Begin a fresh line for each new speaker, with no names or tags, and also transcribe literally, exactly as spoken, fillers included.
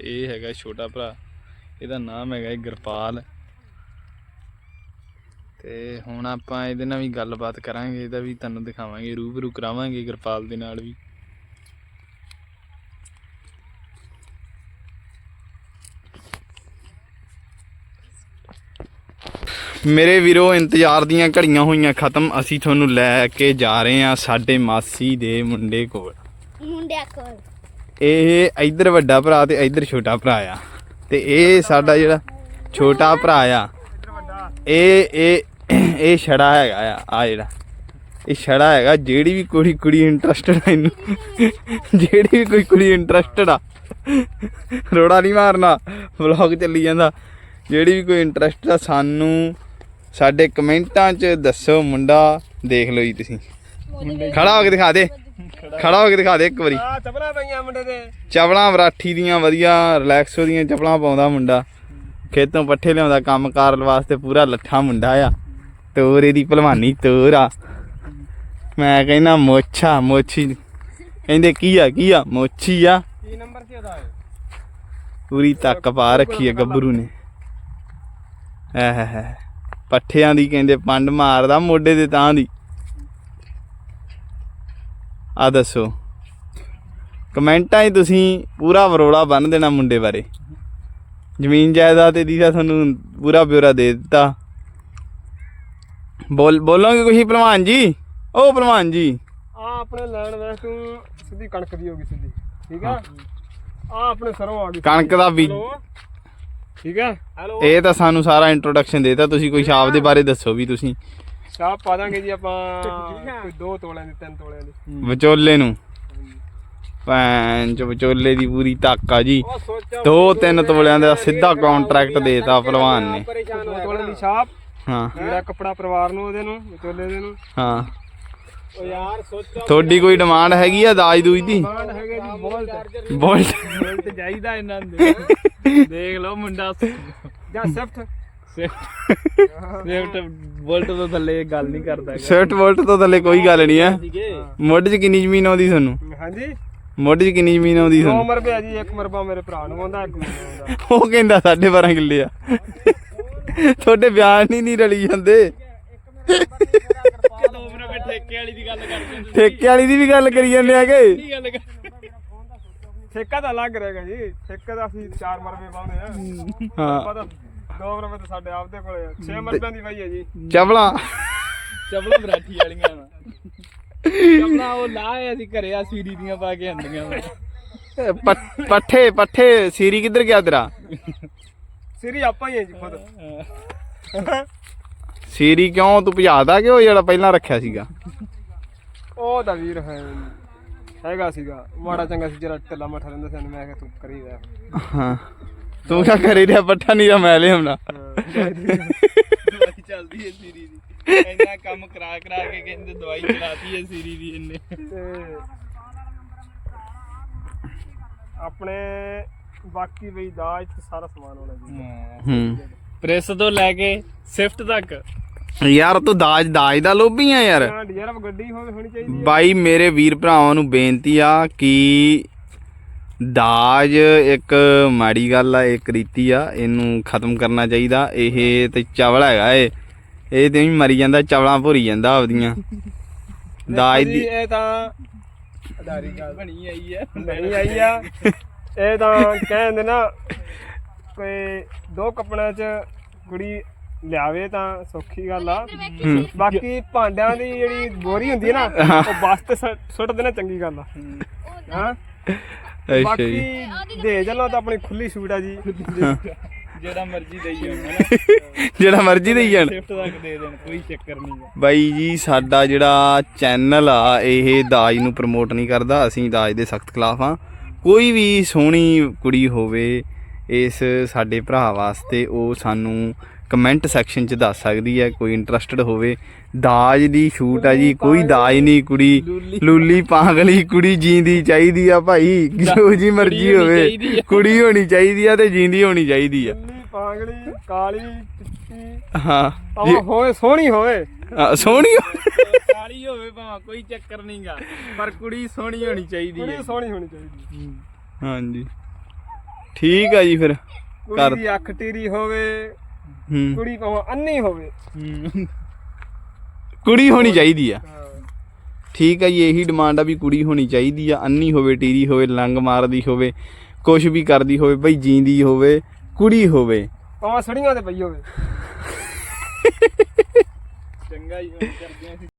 ਇਹ ਹੈਗਾ ਛੋਟਾ ਭਰਾ, ਇਹਦਾ ਨਾਮ ਹੈਗਾ ਗੁਰਪਾਲ। ਤੇ ਹੁਣ ਆਪਾਂ ਇਹਦੇ ਨਾਲ ਵੀ ਗੱਲਬਾਤ ਕਰਾਂਗੇ, ਇਹਦਾ ਵੀ ਤੁਹਾਨੂੰ ਦਿਖਾਵਾਂਗੇ, ਰੂਬਰੂ ਕਰਾਵਾਂਗੇ ਗੁਰਪਾਲ ਦੇ ਨਾਲ ਵੀ। ਮੇਰੇ ਵੀਰੋ ਇੰਤਜ਼ਾਰ ਦੀਆਂ ਘੜੀਆਂ ਹੋਈਆਂ ਖਤਮ, ਅਸੀਂ ਤੁਹਾਨੂੰ ਲੈ ਕੇ ਜਾ ਰਹੇ ਹਾਂ ਸਾਡੇ ਮਾਸੀ ਦੇ ਮੁੰਡੇ ਕੋਲ।
ਮੁੰਡਿਆਂ ਕੋਲ
ਇਹ ਇੱਧਰ ਵੱਡਾ ਭਰਾ ਤੇ ਇੱਧਰ ਛੋਟਾ ਭਰਾ ਆ, ਤੇ ਇਹ ਸਾਡਾ ਜਿਹੜਾ ਛੋਟਾ ਭਰਾ ਆ ਇਹ ਇਹ ਇਹ ਛੜਾ ਹੈਗਾ ਆ ਆ ਜਿਹੜਾ ਇਹ ਛੜਾ ਹੈਗਾ। ਜਿਹੜੀ ਵੀ ਕੁੜੀ ਕੁੜੀ ਇੰਟਰਸਟਡ ਆ ਇਹਨੂੰ, ਜਿਹੜੀ ਵੀ ਕੋਈ ਕੁੜੀ ਇੰਟਰਸਟਡ ਆ, ਰੋੜਾ ਨਹੀਂ ਮਾਰਨਾ, ਵਲੌਗ ਚੱਲੀ ਜਾਂਦਾ। ਜਿਹੜੀ ਵੀ ਕੋਈ ਇੰਟਰਸਟ ਆ ਸਾਨੂੰ ਸਾਡੇ ਕਮੈਂਟਾਂ 'ਚ ਦੱਸੋ। ਮੁੰਡਾ ਦੇਖ ਲਓ ਜੀ ਤੁਸੀਂ, ਖੜਾ ਹੋ ਕੇ ਦਿਖਾ ਦੇ, ਖੜਾ ਹੋ ਕੇ ਦਿਖਾ ਦੇ ਇੱਕ ਵਾਰੀ।
ਚੱਪਲਾਂ ਪਈਆਂ ਮੁੰਡੇ ਦੇ,
ਚਪਲਾਂ ਵਰਾਠੀ ਦੀਆਂ ਵਧੀਆ ਰਿਲੈਕਸੋ ਦੀਆਂ ਚਪਲਾਂ ਪਾਉਂਦਾ ਮੁੰਡਾ, ਖੇਤੋਂ ਪੱਠੇ ਲਿਆਉਂਦਾ, ਕੰਮ ਕਾਰ ਵਾਸਤੇ ਪੂਰਾ ਲੱਠਾ ਮੁੰਡਾ ਆ। ਤੋਰ ਇਹਦੀ ਭਲਵਾਨੀ ਤੋਰ ਆ, ਮੈਂ ਕਹਿੰਦਾ ਮੋਛਾ ਮੋਛੀ ਕਹਿੰਦੇ ਕੀ ਆ ਕੀ ਆ ਮੋਛੀ ਆ।
ਕੀ ਨੰਬਰ ਸੀ ਉਹਦਾ?
ਪੂਰੀ ਤੱਕ ਪਾ ਰੱਖੀ ਆ ਗੱਭਰੂ ਨੇ। ਐ ਪੱਠਿਆਂ ਦੀ ਕਹਿੰਦੇ ਪੰਡ ਮਾਰਦਾ ਮੋਢੇ ਦੇ ਤਾਂ ਦੀ। ਆ ਦੱਸੋ ਕਮੈਂਟਾਂ 'ਚ ਤੁਸੀਂ ਪੂਰਾ ਵਰੋਲਾ ਬੰਨ੍ਹ ਦੇਣਾ ਮੁੰਡੇ ਬਾਰੇ। ਜ਼ਮੀਨ ਜਾਇਦਾਦ ਦੀ ਤਾਂ ਤੁਹਾਨੂੰ ਪੂਰਾ ਬਿਊਰਾ ਦੇ ਦਿੱਤਾ। ਬੋਲ ਬੋਲੋਗੇ ਕੁਛ ਭਲਵਾਨ ਜੀ? ਉਹ ਭਲਵਾਨ ਜੀ
ਆ ਆਪਣੇ ਲੈਣ ਵੇਖ ਤੂੰ ਸਿੱਧੀ ਕਣਕ ਦੀ ਹੋ ਗਈ ਸਿੱਧੀ, ਠੀਕ ਆ। ਆ ਆਪਣੇ ਸਰੋਂ ਆ ਗਈ
ਕਣਕ ਦਾ ਬੀਜ,
ਠੀਕ ਆ। ਹੈਲੋ,
ਇਹ ਤਾਂ ਸਾਨੂੰ ਸਾਰਾ ਇੰਟਰੋਡਕਸ਼ਨ ਦੇਤਾ। ਤੁਸੀਂ ਕੋਈ ਛਾਪ ਦੇ ਬਾਰੇ ਦੱਸੋ ਵੀ ਤੁਸੀਂ।
ਛਾਪ ਪਾ ਦਾਂਗੇ ਜੀ ਆਪਾਂ ਕੋਈ ਦੋ ਤੋਲਿਆਂ ਦੀ, ਤਿੰਨ ਤੋਲਿਆਂ ਦੀ
ਵਿਚੋਲੇ ਨੂੰ। ਭੈਣ ਚ ਵਿਚੋਲੇ ਦੀ ਪੂਰੀ ਤਾਕ ਆ ਜੀ। ਦੋ ਤਿੰਨ ਤੋਲਿਆਂ ਦਾ ਸਿੱਧਾ ਕੰਟਰੈਕਟ ਦੇਤਾ ਭਲਵਾਨ ਨੇ।
ਦੋ ਤੋਲਿਆਂ ਦੀ ਛਾਪ,
ਹਾਂ
ਜਿਹੜਾ ਕੱਪੜਾ ਪਰਿਵਾਰ ਨੂੰ ਉਹਦੇ ਨੂੰ ਵਿਚੋਲੇ ਦੇ ਨੂੰ।
ਹਾਂ
ਉਹ ਯਾਰ ਸੋਚੋ
ਤੁਹਾਡੀ ਕੋਈ ਡਿਮਾਂਡ ਹੈਗੀ ਆ ਦਾਜ ਦੂਜ ਦੀ?
ਡਿਮਾਂਡ ਹੈਗੇ ਜੀ ਬੋਲਟ,
ਬੋਲਟ
ਬੋਲਟ ਚਾਹੀਦਾ ਇਹਨਾਂ ਦੇ।
ਦੇਖ ਲਓ ਮੁੰਡਾ
ਜਾਂ ਸਿਫਟ,
ਸਵਿਫਟ ਬੋਲਟ ਤੋਂ ਥੱਲੇ ਗੱਲ ਨਹੀਂ ਕਰਦਾ। ਸਵਿਫਟ ਬੋਲਟ ਤੋਂ ਥੱਲੇ ਕੋਈ ਗੱਲ ਨਹੀਂ ਆ। ਮੁੱਢ 'ਚ ਕਿੰਨੀ ਜ਼ਮੀਨ ਆਉਂਦੀ ਤੁਹਾਨੂੰ?
ਹਾਂਜੀ
ਮੁੱਢ 'ਚ ਕਿੰਨੀ ਜ਼ਮੀਨ ਆਉਂਦੀ
ਦੋ
ਤੁਹਾਨੂੰ?
ਮਰਬੇ ਆ ਜੀ, ਇੱਕ ਮਰਬਾ ਮੇਰੇ ਭਰਾ ਨੂੰ ਆਉਂਦਾ, ਇੱਕ ਮੈਨੂੰ ਆਉਂਦਾ।
ਉਹ ਕਹਿੰਦਾ ਸਾਢੇ ਬਾਰਾਂ ਕਿੱਲੇ ਆ। ਤੁਹਾਡੇ ਬਿਆਨ ਹੀ ਨਹੀਂ ਰਲੀ ਜਾਂਦੇ। ਠੇਕੇ ਵਾਲੀ ਦੀ ਗੱਲ ਕਰਦੇ, ਠੇਕੇ ਵਾਲੀ ਦੀ ਵੀ ਗੱਲ ਕਰੀ ਜਾਂਦੇ ਹੈਗੇ।
ਠੇਕਾ ਤਾਂ ਅਲੱਗ ਰਹੇਗਾ ਜੀ, ਠੇਕੇ ਦਾ ਅਸੀਂ ਚਾਰ ਮਰਬੇ ਪਾਉਂਦੇ ਆ।
ਹਾਂ
ਦੋ ਮਰਬੇ ਤਾਂ ਸਾਡੇ ਆਪਦੇ ਕੋਲੇ ਆ, ਛੇ ਮਰਬਿਆਂ ਦੀ ਵਾਈ ਹੈ ਜੀ।
ਚਪਲਾਂ
ਚਪਲਾਂ ਬਰਾਠੀ ਵਾਲੀਆਂ ਵਾ, ਚਪਲਾਂ ਉਹ ਲਾਏ ਅਸੀਂ ਘਰੇ ਆ ਸੀਰੀ ਦੀਆਂ ਪਾ ਕੇ ਆਂਦੀਆਂ ਵਾ।
ਪੱਠੇ ਪੱਠੇ ਸੀਰੀ ਕਿੱਧਰ ਗਿਆ ਤੇਰਾ?
ਸਿਰੀ ਆਪਾਂ ਹੀ ਹੈ ਜੀ ਖੁਦ।
ਸੀਰੀ ਕਿਉਂ ਤੂੰ ਭਜਾਦਾ ਕਿ ਉਹ ਜਿਹੜਾ ਪਹਿਲਾਂ ਰੱਖਿਆ ਸੀਗਾ?
ਉਹ ਤਾਂ ਵੀਰ ਹੈ ਹੈਗਾ ਸੀਗਾ ਮਾੜਾ ਚੰਗਾ ਸੀ, ਜਿਹੜਾ ਢਿੱਲਾ ਮੱਠਾ ਰਹਿੰਦਾ ਸੀ। ਮੈਂ ਕਿਹਾ ਤੂੰ ਕਰੀ ਰਿਹਾ।
ਹਾਂ ਤੂੰ ਕਿਆ ਕਰੀ ਰਿਹਾ? ਪੱਠਾ ਨਹੀਂ ਮੈਂ ਲਿਆਉਣਾ।
ਦਵਾਈ ਚੱਲਦੀ ਹੈ ਸੀਰੀ ਦੀ, ਇੰਨਾ ਕੰਮ ਕਰਾ ਕਰਾ ਕੇ ਕਹਿੰਦੇ ਦਵਾਈ ਚਲਾਤੀ ਹੈ ਸੀਰੀ ਦੀ ਇਹਨੇ।
ਤੇ ਆਪਣੇ ਬਾਕੀ ਬਈ ਦਾਜ ਤੇ ਸਾਰਾ ਸਮਾਨ ਹੋਣਾ ਜੀ।
ਹੂੰ
ਪ੍ਰੈਸ ਤੋਂ ਲੈ ਕੇ ਸਿਫਟ ਤੱਕ।
ਯਾਰ ਤੂੰ ਦਾਜ ਦਾਜ ਦਾ ਲੋਭੀ ਆ ਯਾਰ।
ਡੀਆਰਐਫ ਗੱਡੀ ਹੋਣੀ ਚਾਹੀਦੀ ਹੈ
ਬਾਈ। ਮੇਰੇ ਵੀਰ ਭਰਾਵਾਂ ਨੂੰ ਬੇਨਤੀ ਆ ਕਿ ਦਾਜ ਇੱਕ ਮਾੜੀ ਗੱਲ ਆ, ਇੱਕ ਰੀਤੀ ਆ, ਇਹਨੂੰ ਖਤਮ ਕਰਨਾ ਚਾਹੀਦਾ। ਇਹ ਤੇ ਚਵਲ ਹੈਗਾ ਏ, ਇਹ ਤੇ ਵੀ ਮਰੀ ਜਾਂਦਾ, ਚਵਲਾਂ ਭੁਰੀ ਜਾਂਦਾ ਆਪਦੀਆਂ। ਦਾਜ ਦੀ
ਇਹ ਤਾਂ ਅਦਾਰੀ ਗੱਲ
ਬਣੀ ਆਈ ਹੈ,
ਬਣੀ ਆਈ ਆ। ਇਹ ਤਾਂ ਕਹਿੰਦੇ ਨਾ ਕੋਈ ਦੋ ਕੱਪੜਿਆਂ 'ਚ ਕੁੜੀ ਲਿਆਵੇ ਤਾਂ ਸੌਖੀ ਗੱਲ ਆ। ਬਾਕੀ ਭਾਂਡਿਆਂ ਦੀ ਜਿਹੜੀ ਬੋਰੀ ਹੁੰਦੀ ਹੈ ਨਾ, ਉਹ ਬਸ ਤੇ ਸੁੱਟ ਦੇਣਾ ਚੰਗੀ ਗੱਲ ਆ। ਹਾਂ ਬਾਕੀ ਦੇ ਚੱਲੋ ਤਾਂ ਆਪਣੀ ਖੁੱਲੀ ਛੂਟ ਆ ਜੀ,
ਜਿਹੜਾ ਮਰਜ਼ੀ ਦੇਈ ਜਾਣ,
ਜਿਹੜਾ ਮਰਜ਼ੀ ਦੇਈ ਜਾਣ,
ਸਿਫਟ ਤੱਕ ਦੇ ਦੇਣ, ਕੋਈ ਚੱਕਰ ਨਹੀਂ।
ਬਾਈ ਜੀ ਸਾਡਾ ਜਿਹੜਾ ਚੈਨਲ ਆ ਇਹ ਦਾਜ ਨੂੰ ਪ੍ਰਮੋਟ ਨਹੀਂ ਕਰਦਾ। ਅਸੀਂ ਦਾਜ ਦੇ ਸਖਤ ਖਿਲਾਫ ਆ। ਕੋਈ ਵੀ ਸੋਹਣੀ ਕੁੜੀ ਹੋਵੇ ਇਸ ਸਾਡੇ ਭਰਾ ਵਾਸਤੇ, ਉਹ ਸਾਨੂੰ ਕਮੈਂਟ ਸੈਕਸ਼ਨ 'ਚ ਦੱਸ ਸਕਦੀ ਹੈ। ਕੋਈ ਇੰਟਰਸਟਡ ਹੋਵੇ, ਦਾਜ ਦੀ ਛੂਟ ਆ ਜੀ, ਕੋਈ ਦਾਜ ਨਹੀਂ। ਕੁੜੀ ਲੂਲੀ ਪਾਗਲੀ ਕੁੜੀ ਜੀਂਦੀ ਚਾਹੀਦੀ ਆ ਭਾਈ, ਜੋ ਜੀ ਮਰਜ਼ੀ ਹੋਵੇ, ਕੁੜੀ ਹੋਣੀ ਚਾਹੀਦੀ ਆ ਤੇ ਜੀਂਦੀ ਹੋਣੀ ਚਾਹੀਦੀ ਆ।
ਪਾਗਲੀ ਕਾਲੀ ਚਿੱਟੀ
ਹਾਂ
ਹੋਵੇ, ਸੋਹਣੀ ਹੋਵੇ,
ਸੋਹਣੀ
ਕਾਲੀ ਹੋਵੇ ਭਾਵੇਂ ਕੋਈ ਚੱਕਰ ਨਹੀਂਗਾ, ਪਰ ਕੁੜੀ ਸੋਹਣੀ ਹੋਣੀ ਚਾਹੀਦੀ ਹੈ।
ਸੋਹਣੀ ਹੋਣੀ ਚਾਹੀਦੀ।
ਹਾਂਜੀ ਠੀਕ ਆ ਜੀ ਫਿਰ ਕਰ
ਕੁੜੀ ਦੀ ਅੱਖ ਟੀਰੀ ਹੋਵੇ,
ਹੂੰ
ਕੁੜੀ ਭਾਵੇਂ ਅੰਨੀ ਹੋਵੇ।
ਹੂੰ
ਕੁੜੀ ਹੋਣੀ ਚਾਹੀਦੀ ਆ।
ਹਾਂ
ਠੀਕ ਆ ਜੀ, ਇਹੀ ਡਿਮਾਂਡ ਆ ਵੀ ਕੁੜੀ ਹੋਣੀ ਚਾਹੀਦੀ ਆ, ਅੰਨੀ ਹੋਵੇ, ਟੀਰੀ ਹੋਵੇ, ਲੰਗ ਮਾਰਦੀ ਹੋਵੇ, ਕੁਛ ਵੀ ਕਰਦੀ ਹੋਵੇ ਬਈ, ਜੀਂਦੀ ਹੋਵੇ, ਕੁੜੀ ਹੋਵੇ।
ਭਾਵੇਂ ਸੜੀਆਂ ਤੇ ਪਈ ਹੋਵੇ।
ਚੰਗਾ ਜੀ ਕਰਦੇ ਆ।